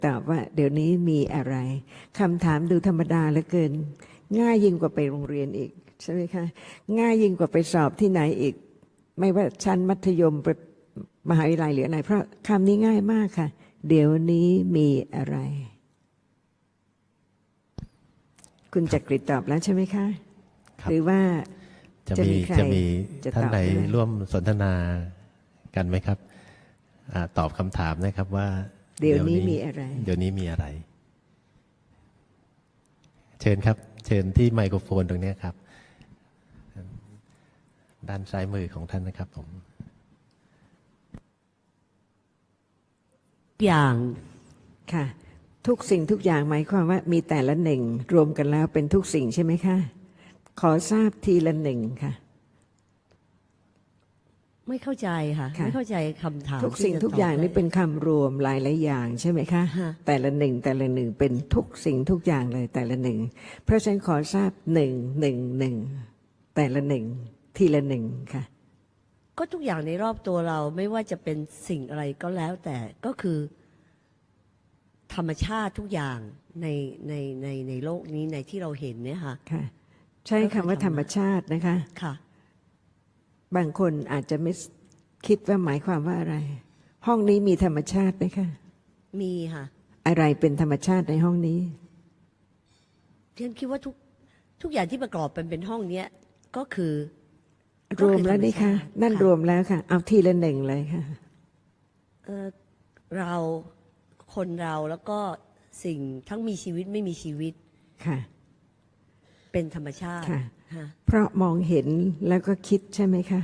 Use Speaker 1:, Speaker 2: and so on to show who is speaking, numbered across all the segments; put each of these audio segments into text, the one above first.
Speaker 1: ตอบว่าเดี๋ยวนี้มีอะไรคำถามดูธรรมดาเหลือเกินง่ายยิ่งกว่าไปโรงเรียนอีกใช่ไหมคะง่ายยิ่งกว่าไปสอบที่ไหนอีกไม่ว่าชั้นมัธยมมหาวิทยาลัยหรืออะไรเพราะคำนี้ง่ายมากค่ะเดี๋ยวนี้มีอะไรคุณจักริดตอบแล้วใช่ไหมคะหรือว่าจะมี
Speaker 2: ท่านใดร่วมสนทนากันไหมครับตอบคำถามนะครับว่า
Speaker 1: เดี๋ยวนี้มีอะไร
Speaker 2: เดี๋ยวนี้มีอะไรเชิญครับเชิญที่ไมโครโฟนตรงนี้ครับด้านซ้ายมือของท่านนะครับผม
Speaker 1: อย่างค่ะทุกสิ่งทุกอย่างหมายความว่ามีแต่ละหนึ่งรวมกันแล้วเป็นทุกสิ่งใช่ไหมคะขอทราบทีละหนึ่งค่ะ
Speaker 3: ไม่เข้าใจค่ะไม่เข้าใจคำถาม
Speaker 1: ทุกสิ่งทุกอย่างนี่เป็นคำรวมหลายอย่างใช่ไหมคะแต่ละหนึ่งเป็นทุกสิ่งทุกอย่างเลยแต่ละหนึ่งเพราะฉะนั้นขอทราบหนึ่งแต่ละหนึ่งทีละหนึ่งค่ะ
Speaker 3: ก็ทุกอย่างในรอบตัวเราไม่ว่าจะเป็นสิ่งอะไรก็แล้วแต่ก็คือธรรมชาติทุกอย่างในโลกนี้ในที่เราเห็นเนี่ยค่ะ
Speaker 1: ใช้คำว่าธรรมชาตินะคะ
Speaker 3: ค่ะ
Speaker 1: บางคนอาจจะไม่คิดว่าหมายความว่าอะไรห้องนี้มีธรรมชาติไหมคะ
Speaker 3: มีค่ะ
Speaker 1: อะไรเป็นธรรมชาติในห้องนี้
Speaker 3: ฉันคิดว่าทุกอย่างที่ประกอบเป็นห้องเนี้ยก็คือ
Speaker 1: รวมแล้วนี่ค่ะนั่นรวมแล้วค่ะเอาทีละหนึ่งเลยค่ะ
Speaker 3: เราคนเราแล้วก็สิ่งทั้งมีชีวิตไม่มีชีวิต
Speaker 1: ค่ะ
Speaker 3: เป็นธรรมชาติ
Speaker 1: ค่ะเพราะมองเห็นแล้วก็คิดใช่ไหมคะ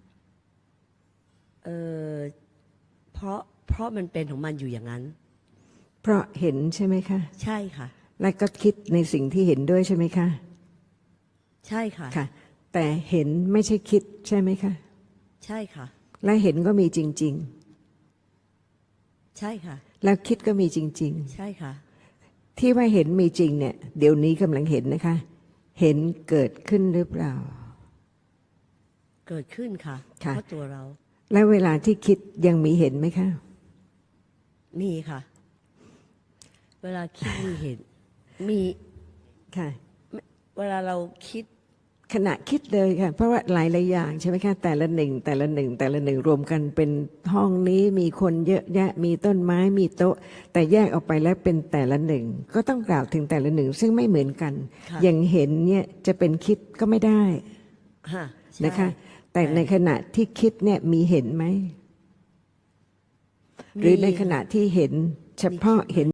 Speaker 3: เพราะมันเป็นของมันอยู่อย่างนั้น
Speaker 1: เพราะเห็นใช่ไหมคะ
Speaker 3: ใช่ค่ะ
Speaker 1: แล้วก็คิดในสิ่งที่เห็นด้วยใช่ไหมคะ
Speaker 3: ใช่ค่ะ
Speaker 1: ค่ะแต่เห็นไม่ใช่คิดใช่ไหมคะ
Speaker 3: ใช่ค่ะ
Speaker 1: และเห็นก็มีจริง
Speaker 3: ๆใช่ค่ะ
Speaker 1: แล้วคิดก็มีจริง
Speaker 3: ๆใช่ค่ะ
Speaker 1: ที่ว่าเห็นมีจริงเนี่ยเดี๋ยวนี้กำลังเห็นนะคะเห็นเกิดขึ้นหรือเปล่า
Speaker 3: เกิดขึ้นค่ะเพราะตัวเรา
Speaker 1: แล้วเวลาที่คิดยังมีเห็นไหมคะ
Speaker 3: มีค่ะเวลาคิดมีเห็นมี
Speaker 1: ค่ะ
Speaker 3: เวลาเราคิด
Speaker 1: ขณะคิดเลยค่ะเพราะว่าหลายอย่างใช่ไหมคะแต่ละหนึ่งรวมกันเป็นห้องนี้มีคนเยอะแยะมีต้นไม้มีโต๊ะแต่แยกออกไปแล้วเป็นแต่ละหนึ่งก็ต้องกล่าวถึงแต่ละหนึ่งซึ่งไม่เหมือนกันอย่างเห็นเนี่ยจะเป็นคิดก็ไม่ได้นะคะแต่ในขณะที่คิดเนี่ยมีเห็นไหมหรือในขณะที่เห็นเฉพาะเห็น